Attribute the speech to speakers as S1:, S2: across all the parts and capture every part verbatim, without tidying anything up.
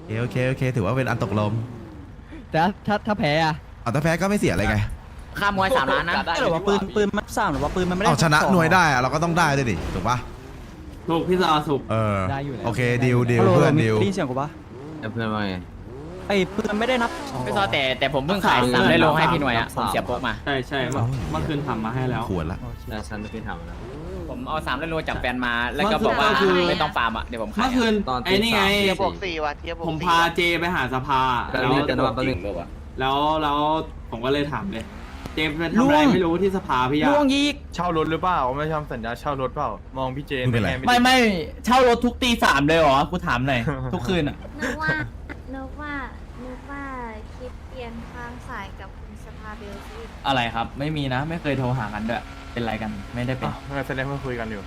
S1: โอเคโอเคถือว่าเป็นอันตกลง
S2: แต่ถ้าถ้าแพ้อะ
S1: เอาแต่แพ้ก็ไม่เสียอะไรไง
S3: ค่ามวยสามล้านนะ
S2: หรือว่าปืนปืนมันสามหรือว่าปืนมันไม่ได้
S1: เอาชนะหน่วยได้อะเราก็ต้องได้ด้วยดิถูกปะ
S4: ถูกพี่ซอถูก
S1: เออ
S2: ได้อยู่แล้ว
S1: โอเคดิวดิวเพื่อนดิว
S2: ได้ยินเสียงกูปะ
S5: เพื่อนว่าไง
S2: ไอ้ปืนไม่ได้นับ
S3: พี่ซอแต่แต่ผมเพิ่งขายสามได้ลงให้พี่หน่วยอ่ะผมเสียโป๊กมา
S4: ใช่ใช่เมื่อเมื่อคืนทำมาให้แล้ว
S1: ขวดละ
S5: แล้วฉันไม่ทำแล้ว
S3: ผมเอาสามได้โลจากแฟนมาแล้วก็บอกว่า
S4: ก็คือ
S3: ไม่ต้องฟาร์มอ่ะเดี๋ยวผมขา
S4: เมื่
S3: ย
S4: อคืนไอ้นี่ไง
S5: เทีย
S6: บวกสี่ว่ะเทียบบวก
S4: ผม
S6: สี่
S4: พาเจไปหาสภา
S5: แต่
S4: แล้ว
S5: เรื่องกันว่าประเด็น
S4: แล้วแล้วผมก็เลยถามเลย เจไปทำอะไรไม่รู้ที่สภาพี่ยา
S2: ล่วงยีก
S7: เช่ารถหรือเปล่าไม่ทำสัญญาเช่ารถเปล่ามองพี่เจน
S1: มึงเป็นไร
S7: ไม่
S2: ไม่ไม่เช่ารถทุกตีสามเลยเหรอกูถามหน่อยทุกคืนอ่ะ
S8: นึกว่านึกว่านึกว่าคิดเปลี่ยนทางสายกับคุณสภาเบลซี
S2: อะไรครับไม่มีนะไม่เคยโทรหากันด้วยเป็นไรกันไม่ได้เป็น
S7: อ้าวงั้นแสดงว่าคุยกันอยู่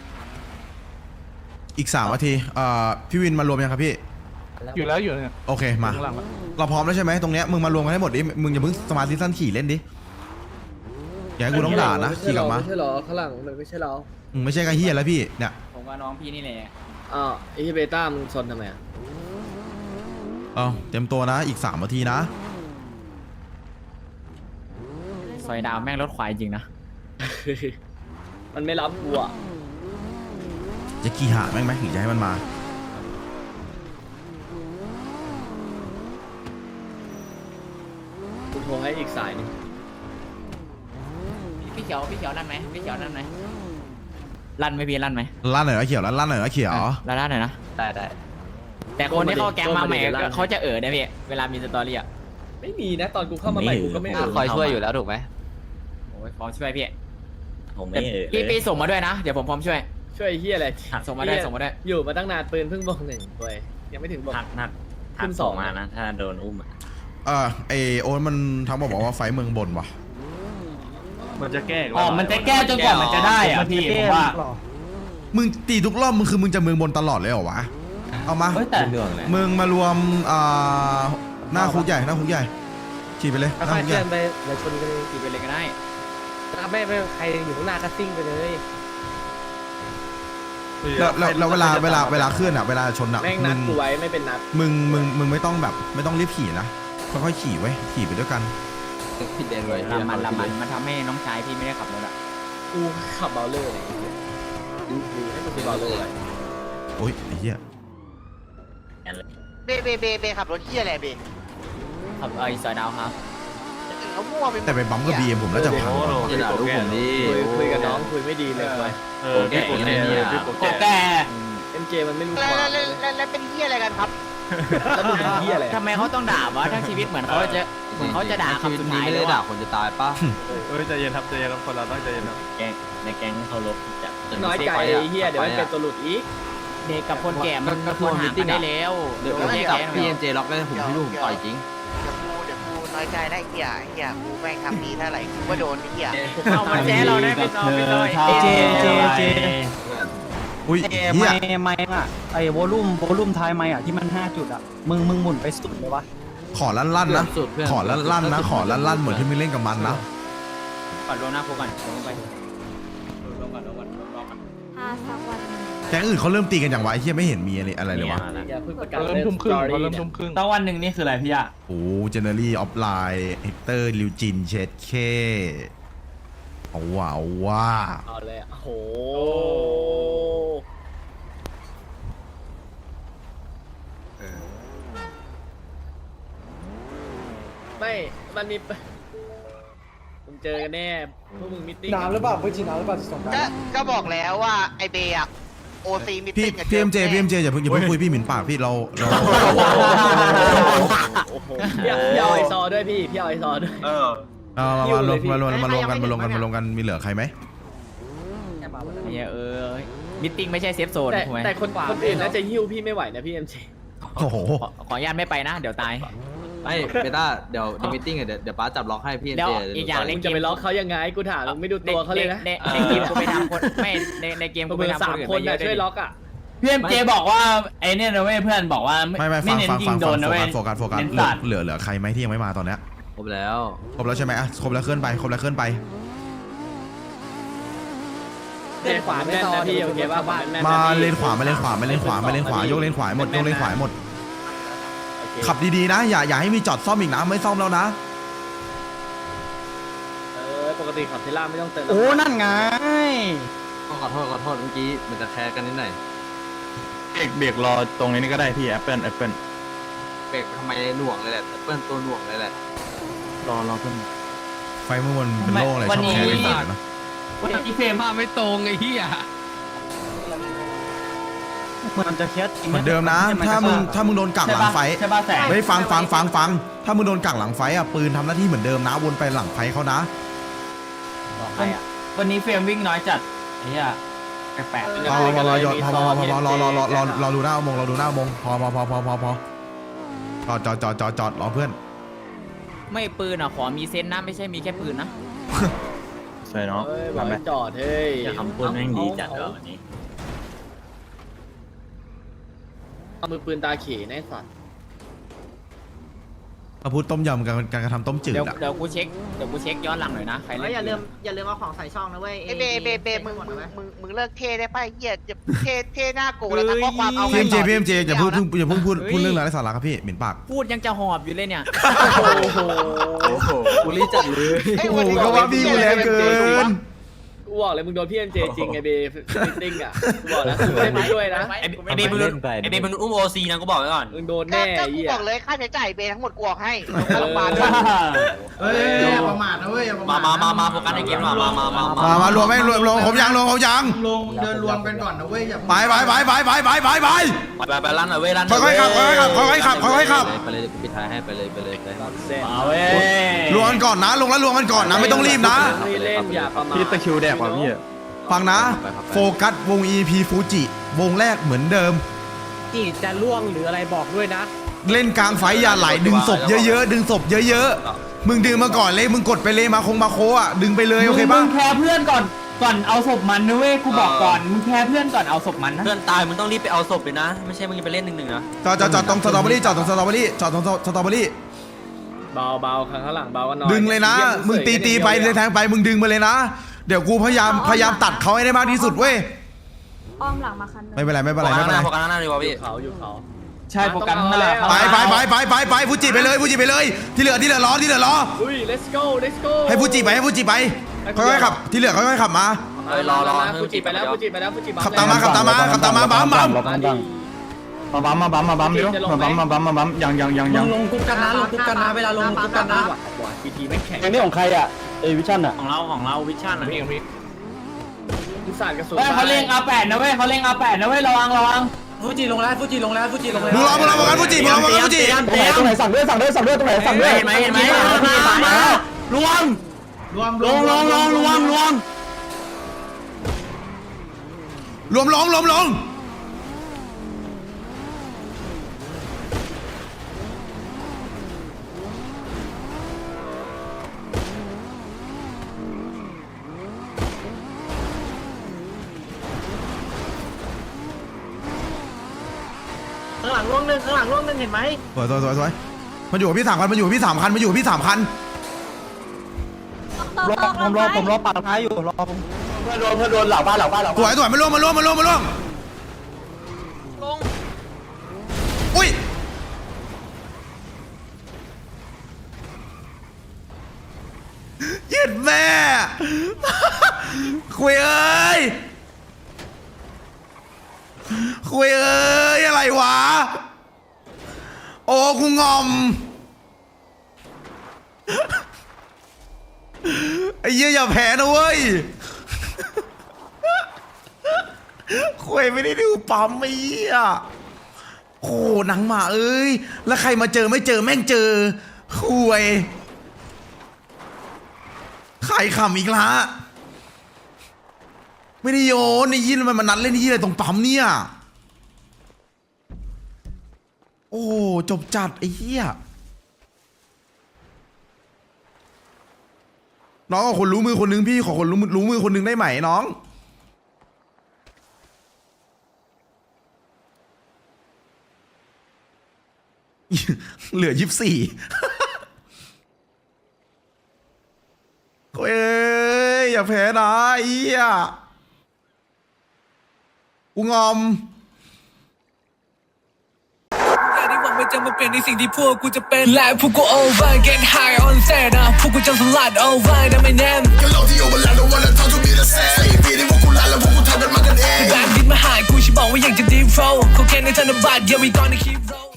S1: อีกสามนาทีเอ่อพี่วินมารวมยังครับพี่
S7: อยู่แล้วอยู่เนี่ย
S1: โอเคมา
S7: ข้างหลังวะ
S1: เราพร้อมแล้วใช่ไหมตรงเนี้ยมึงมารวมกันให้หมดดิมึงอย่าเพิ่งสมาธิสั้นขี่เล่นดิอย่าให้กูต้องด่านะขี่กลับมา
S9: ไม่ใช่หรอข้างหลังมันไม่ใช่เรา
S1: มึงไม่ใช่กระเฮียแล้วพี่เนี่ย
S3: ผมว่าน้องพี่นี่แหละ
S9: อ้าวไอ้ที่เบต้ามึงซนทำไมอ่ะ
S1: เอาเตรียมตัวนะอีกสามนาทีนะ
S3: ซอยดาวแม่งรถควายจริงนะ
S9: มันไม่รับกูอ่ะ
S1: จะขี่หาแม่งไหมหรือจะให้มันมา
S9: กูโทรให้อีกสายหนึง
S3: พี่เขียวพี่เขียวนั่นไหมพี่เขียวนั่นไหมลั่นไหมพี่ลั่นไหม
S1: ลั่นหน่อยนะเขียวลั่นลั่นหน่อยนะเขียว
S3: ลั่นลั่นหน่อยนะ
S5: ได้ได้
S3: แต่คนที่เข้าแก๊งมาใหม่เขาจะเอ๋อได้พี่เวลามีสตอรี่อ่ะ
S9: ไม่มีนะตอนกูเข้ามาใหม่กูก็ไม่
S5: คอยช่วยอยู่แล้วถูกไหม
S3: โอ้ยพร้อมช่วยพี่
S5: ผม
S3: แต่
S5: ไม่
S3: พี่พี่ส่งมาด้วยนะเดี๋ยวผมพร้อมช่วย
S9: ช่วยไอ้เฮียอะไร
S3: ส่งมาได้ส่งมาได้
S9: อยู่มาตั้งนานปืนเพิ่งบอกหนึ่งเว้ยยังไม่ถึงบอก
S5: หักหัก
S9: ขึ้นสองมานะ
S5: ถ้าโดนอุ้มอ่ะ
S1: เออไอโอนมันทักมาบอกว่าไฟเมืองบนว่ะ
S7: มันจะแก้ก
S2: อ๋อมันจะแก้จนกว่ามันจะได้อ่ะพี่ผมว่า
S1: มึงตีทุกรอบมึงคือมึงจะเมืองบนตลอดเลยเหรอวะเอามา
S2: เฮ้ยแต่
S5: เรื่องเลย
S1: มึงมารวมอ่าหน้าคุกใหญ่หน้าคุกใหญ่ขี่ไปเลยหน้า
S9: ค่อย
S1: คุก
S9: ๆ
S1: ให
S9: เคลื่
S1: ญ่
S9: อนไปเดี๋ยวชนกันเลย
S3: ขี่ไปเลยก็ได้
S9: ไม่ไม่ใครอยู่ข้างหน้าก็ซิ่งไปเลย
S1: แล้วแล้วแล้วเวลาเวลาเวลาเคลื่อนอ่ะเวลาชนอ่ะ
S9: แม่ง
S1: มึ
S9: นัด
S1: ง
S9: กูไว้ไม่เป็นนัด
S1: มึงมึงมึงไม่ต้องแบบไม่ต้องรีบขี่นะค่อยๆขี่ไว้ยขี่ไปด้วยกัน
S5: ผิดเองเลย
S3: ลำมันลำมันมันทำให้น้องชายพี่ไม่ได้ขับรถอ่ะ
S9: กูขับเบลเลอร์เลยดูดูให้กูซื้อเบลเลอร์เลย
S1: โอ๊ยไอ้เหี้ย
S6: เบเบเบเบขับรถเที่ยอะไรเบ
S3: ขับไอ้ซอยดาวครับ
S6: เขามั่วไปหมด
S1: แต่ไปบัมกับบีเอ็มผมน่าจะพัง
S5: อย่าด่าลูกผมดิ
S9: คุยคุยกับน้องคุยไม่ดีเลยเว้ย
S7: เออพี่โกแก่พี่โก
S2: โก
S7: แก่
S2: แก่
S9: เอ็มเจมันไม่รู้
S6: แล้ว
S9: ความ
S6: แล้ว
S9: เลย
S6: แล้วแล้วเป็นเที่ยอะไรกันครับ
S9: แล้วมึงเป็นเหี้ยอะไร
S3: ทำไมเขาต้องด่าวะทั้งชีวิตเหมือนเขาจะเหมือนเขาจะด่า
S5: ชีวิต
S3: คำสุด
S5: นี้
S3: ท้าย
S5: ไม่
S3: เล
S5: ได้
S3: ย
S5: ด่า
S3: ว่ะ
S5: คนจะตายป่ะ
S7: เออใจเย็นครับใจเย็นครับคนเราต้องใจเย็นครับ
S5: แก๊งในแก๊งเขาลบจะ
S9: น้อยใจไอ้เหี้ยเดี๋ยวมันเป็นตัวหลุดอีก
S3: เด็กกับคนแก่มันควรห่างกันได้แล้ว
S5: เดี๋ยวผมจับพี่เอ็นเจล็อกได้ผมพี่ลูกผมต่อยจริง
S6: เดี๋ยวกูเดี๋ยวกูน้อยใจได้เที่ยเที่ยกูแม่งทำดีเท่าไหร่กูก็โดนไอ้เที่ย
S3: เอามาแจ้เราได้เป็นน้องเป็นน้อย
S2: เจเจเจ
S1: อุ้ย
S2: เจ
S1: เหี้ย
S2: ไม่ไม่อ่ะไอ้โวลูมโวลูมท้ายไม่อ่ะที่มันห้าจุดอ่ะมึงมึงหมุนไปสุดเลยวะ
S1: ขอลั่นลั่นๆนะขอลั่นลั่นๆนะขอลั่นลั่นๆเหมือนที่มึงเล่นกับมันนะ
S3: ก่อนรวมหน้าคุกก่อนรวมไปรวมก่อนรวมก่อนรวมก่อน
S8: ถ้าสักวันหนึ่ง
S1: แก๊งอื่นเขาเริ่มตีกันอย่างวะไอ้เหี้ยไม่เห็นมีอะไรอะไรเลยวะ
S9: อย่าเพิ่งประกาศ
S7: เริ่ม
S9: เล่น
S7: ทุ่ม
S9: ส
S7: ครึ่ง
S9: ตอ
S7: เขา
S9: รี่
S7: เริ่ม
S9: เนี่ย
S7: ทุ่มครึ่ง
S2: ตั้งวันหนึ่งนี่คืออะไรพี่อ่ะ
S1: โอ้เจเนอรี่ออฟไลน์เฮกเตอร์ลิวจินเชดเคเอาว่าเอาว่า
S9: เอาเลยอ่ะโอ้โหไม่มันมีมึงเจอกันแน่พวกมึงมิทติ้งน้ำหรือเปล่าเพื่อนจีน้ำหรือเปล่าสอง
S6: ก็ก็บอกแล้วว่าไอเบย์อะโอซีมิ
S1: พี่
S6: ติ้งกับ
S1: พี่เอ็มเจพี่เอ็มเจอย่าเพิ่งอย่าเพิ่งคุยพี่หมิ่นปากพี่เราเรา
S9: โอ้โหพี่พี่เอาไอซอด้วยพี่พี่เอาไอซอด้วย
S7: เออ
S1: เอามามารวมมารวมมารวมกันมารวมกันมารวมกันมีเหลือใครไหม
S3: ไอ้เหี้ยเออมิทติ้งไม่ใช่เซฟโซน
S9: แต่
S3: ถูกไหม
S9: แต่คนคนอื่นน่าจะหิ้วพี่ไม่ไหวนะพี่เอ็มเจ
S1: โอ้โห
S3: ขอขออนุญาตไม่ไปนะ เดี๋ยวตาย
S5: ไม่เบต้าเดี๋ยวในมิทติ้งเดี๋ยวเดี๋ยวป้าจับล็อกให้พี่เอ็น
S3: แล้ว
S5: เจ
S3: อีกอย่าง
S9: มึงจะไปล็อกเขายังไงกูถามมึงไม่ดูตัวเขาเลยนะ
S3: ในในเกมกูไปทำคนไม่ในในเกมกู
S9: มึ
S3: ไป
S9: ง
S3: ทำ
S9: สา
S3: ค
S9: ม
S3: นอื่น
S9: คน
S3: ไปเย
S9: น่ะ
S3: อะด้
S9: ช่
S3: ว
S9: วย ย
S3: ดิ
S9: ล็อกอ่ะ
S2: พี่เอ็มเจบอกว่าไอ้เนี่ยนะเว้ยเพื่อนบอกว่า
S1: ไม่ไม่ฟัง
S2: เน้น
S1: ฟัง
S2: ยิ
S1: ฟั
S2: ง
S1: ง
S2: โด
S1: ฟัง
S2: นนะ
S1: โฟ
S2: เว้ย
S1: กัสโฟกัสโฟกัส
S2: เน้น
S1: เหลื
S2: สั
S1: อ
S2: ตว์
S1: เหลือเหลือใครไหมที่ยังไม่มาตอนเนี้ย
S5: ครบแล้ว
S1: ครบแล้วใช่ไหมอ่ะครบแล้วเคลื่อนไปครบแล้วเคลื่อนไป
S9: เล่นขวาแม่นนะพี่โอเคป่ะบ้านแม่น
S1: มา
S9: นะพี่
S1: เลนขวามาเลนขวามาเลนขวามาเลนขวายกเลนขวาหมดยกเลนขวาหมด
S9: เค
S1: ขับดีๆนะ อย่าอย่าให้มีจอดซ่อมอีกนะไม่ซ่อมแล้วนะ
S9: เออปกติขับเทล่าไม่ต้องเติม
S2: โอ้นั่นไง
S5: ขอโทษขอโทษเมื่อกี้มันจะแคร์กันนิดหน่อย
S7: เบรกเบรกรอตรงนี้ก็ได้พี่แอปเปิลแอปเปิล
S5: เบรกทำไมหน่วงเลยแหละเปิ้ลตัวหน่วงเลยแหละ
S7: รอรอเพิ่ม
S1: ไฟเมื่อวันเป็นโล่งอะไรชอบแคร์เป็นสายนะ
S4: วันนี้เฟรมภาพไม่ตรงไอ้เหี้ย
S2: มันจะเคสจริง
S1: เหมือนเดิมนะ ถ้ามึงถ้ามึงโดนกักหลังไฟ
S2: ใช่ป่ะแสง
S1: ไม่ฟังฟังฟังฟังถ้ามึงโดนกักหลังไฟอ่ะปืนทำหน้าที่เหมือนเดิมนะวนไปหลังไฟเขานะ
S2: บอกใครอ่ะวันนี้เฟรมวิ่งน้อยจัดไอ้เหี้ยแปลก
S1: พอพอพอยพอพอพอพอรอรอรอรอรอดูหน้าอุโมงค์รอดูหน้าอุโมงค์พอพอพอพอพอพอจอดจอดจอดจอดจอดรอเพื่อน
S3: ไม่ปืนอ่ะขอมีเซนนะไม่ใช่มีแค่ปืนนะ
S7: ใช่เนาะ
S9: เฮ้ยบอ
S7: ทำ
S9: ก
S7: ไหม
S9: ให้จอดเฮ้ย
S4: อย่าคำพูดแม่งดีจัดเลยวันนี้
S9: เอามือปืนตาเขนไอ้สัตว์
S1: มาพูดต้มยำการการกระทำต้มจืด
S3: เดี๋ยว
S1: อ่ะ
S3: เดี๋ยวกูเช็คเดี๋ยวกูเช็คย้อนหลังหน่อยนะใครเล่น
S10: อย่าลืมอย่าลืมเอาของใส่ช่องนะเว้ย
S6: ไอ้เบเบเบมึงมึงมึงมึงเลิกเท่ได้ป่ะเหี้ยจะเท่เท่หน้าโกแล้วทั้งข้อความเอา
S1: พี
S6: ไว้
S1: เอ็มเจ
S6: ก่อน
S1: พีเอ็มเจอย่าพูด
S6: ไม่
S1: อย่าเพิ่งพูดพูดเรื่องอะไรสาระครับพี่เหม็นปาก
S3: พูดยังจะหอบอยู่เลยเนี่ย
S9: โอ้โห
S5: โอ้โหบุรีจัดเลย
S6: เอ้ย
S1: โอ้
S6: วัน
S1: โห
S6: นี้
S1: ก็ว่าพี่กูแรงเกิน
S9: กูบอกเลยมึงโดนพี่เอ็มเจจริงไงเบฟิตติ้งอ่ะกูบอกแล้วกูไม่ได้ไปด้วยนะ
S3: ไอ้เบย์มึงไอ้เบย์มึงอุ้มโอซีนะกูบอกไว้ก่อน
S9: มึงโดน
S6: ก็
S9: แน่
S6: ก็
S9: ไอ้
S6: กู
S9: เหี้ย
S6: บอกเลยค่าใช้จ่ายเบทั้งหมดกูออกให้ค่าโรงพยาบาลด้วย
S10: เฮ้ยอย่าประมาทนะเว้ยอย่าประ
S3: มา
S10: มาท
S3: มามามาโฟกัสในเกมหน่อยมามามามา
S1: มามารวมไหมรวมรวมผมยังรวมผมยัง
S10: ลงเดินรวมกันก่อนนะเว้ยอย่า
S1: ไปไปไปไปไปไปไปไป
S3: ไปไปลั่นหน่อยเว้ยลั่น
S1: ค่อยๆขับค่อยๆขับค่อยๆขับค่อยๆขับ
S5: ไปเลยปิดท้ายให้ไปเลยไปเลยไป
S9: เส้น
S2: มาเว้ย
S1: รวมกันก่อนนะลงแล้วรวมกันก่อนนะไม่ต้องรีบนะ
S9: ไม่เล่นอย่าประมาท
S7: พี่ตะคริวแดกว่ะพี่
S1: ฟังนะ โฟกัสวง อี พี ฟูจิวงแรกเหมือนเดิม
S9: จีจะล่วงหรืออะไรบอกด้วยนะ
S1: เล่นกลางไฟอย่าไหลดึงศพเยอะๆดึงศพเยอะๆมึงดึงมาก่อนเลยมึงกดไปเลยมาคงมาโคอ่ะดึงไปเลยโอเค
S2: มึ
S1: ป่ะ
S2: งแคร์เพื่อนก่อนก่อนเอาศพมันนะเว้ยกูบอกก่อนมึงแคร์เพื่อนก่อนเอาศพมันนะ
S3: เพื่อนตายมึงต้องรีบไปเอาศพเลยนะไม่ใช่มึงจะไปเล่นหนึ่งหนึ่งนะ
S1: จอดจอดจอดตรงสตรอเบอรี่จอดตรงสตรอเบอรี่จอดตรงสตรอเบอรี่
S9: เบาเบาข้างหลังเบากันหน่อย
S1: ดึงเลยนะ มึงตีตีไปเลยแทงไปมึงดึงมาเลยนะ เดี๋ยวกูพยายามพยายามตัดเขาให้ได้มากที่สุดเว้ย
S8: อ้อมหลังมาคันนึง
S1: ไม่เป็นไรไม่เป็นไร
S3: โฟกั
S1: ไม่
S3: ส
S1: เป็นไร
S3: โฟกัสหน้าดีกว่า
S9: อ
S3: พี่
S9: ยู่เขาอยู่เขา
S2: ใช่โฟกัสนั่นแหละ
S1: ไปไปไปไปไปไปฟูจิไปเลยฟูจิไปเลย ที่เหลือที่เหลือรอที่เหลือรอ
S9: อุ้ย let's go let's go
S1: ให้ฟูจิไปให้ฟูจิไปค่อยๆขับที่เหลือค่อยๆขับมา
S3: เอ้ยรอรอ
S9: ฟูจิไปแล้วฟูจิไปแล้วฟูจิบัฟ
S1: ขับตามมาขับตามมาขับตามมาบัมบัม
S7: มาบัมมาบัมมาบัมเดี๋ยวมาบัมมาบัมมาบัมยังยังยังยัง
S10: ลงกุ๊กกันนะลงกุ๊กกันนะเวลาลงกุ๊กกันนะ
S9: พีทีไม่แข็ง
S2: เพลงนี้ของใครอ่ะเอวิชั่นอ่ะ
S3: ของเราของเราวิชั่นอ่ะ
S9: ยุสานกระสุน
S2: เว้ยเขาเล่ง อาร์ แปด นะเว้ยเขาเล่ง อาร์ แปด นะเว้ยระวังระวัง
S10: ฟูจิลงแล้วฟูจิลงแล้วฟูจิลงแล้ว
S1: มึงรอมึงรอมึงรอฟูจิมึงรอมึงรอฟูจิ
S2: ตรงไหนตรงไหนสั่งด้วยสั่งด้วยสั่งด้วยตรงไหนสั่งด้วย
S3: เห็นไหมเห็นไหม
S2: มาลวง
S10: รวม
S2: ลงลงลงลวงลวง
S1: รวมลงรวมลง
S10: ข้างหลังล่วงหนึ่งข้างหลังล่วงหนึ่งเห็นไหม
S1: สวยสวยสวยสวยมันอยู่กับพี่สามคันมันอยู่กับพี่สามคันมันอยู่กับพี่สามคัน
S2: รอผมรอผมรอปาดท้ายอยู่รอผมเพื่อนโดนเพื่อนโดนเหล่าบ้านเหล่าบ้านเหล่า
S1: สวยสวยมาล่วงมาล่วงมาล่วงมาล่วง
S6: ลง
S1: อุ้ยเย็ดแม่ คุยเอ้ยคุยเอ้ยอะไรวะโอ้กูงอมไอ้เหี้ยอย่าแพ้นะเว้ยคุยไม่ได้ดูปั๊มไอ้เหี้ยโอ้หนังหมาเอ้ยแล้วใครมาเจอไม่เจอแม่งเจอคุยขายขำอีกละไม่ได้โยนไอ้ยี่มันมานัดเล่นไอ้ยี่อะไรตรงปั๊มเนี่ยโอ้จบจัดไอ้เหี้ยน้องขอคนรู้มือคนนึงพี่ขอคนรู้มือรู้มือคนนึงได้ไหมน้องเหลือยี่สิบสี่โอ้ยอย่าแพ้นะไอ้เหี้ยกูงอม
S3: เกมนี้ผม
S11: ไม่จะมาเปลี่ยนในสิ่งที่พวกกูจะเป็นและพวกกู over get high on set นะพวกกูจะสลัด over นะไม่แน่ก็เราที่ over แล้ว don't wanna talk to me the same สี่ปีที่พวกกูลาแล้วพวกกูทำกันมากันเองแบนดินมาหายกูฉันบอกว่าอยากจะ deep flow เขาแค่ในธนบัตร yeah we gonna keep roll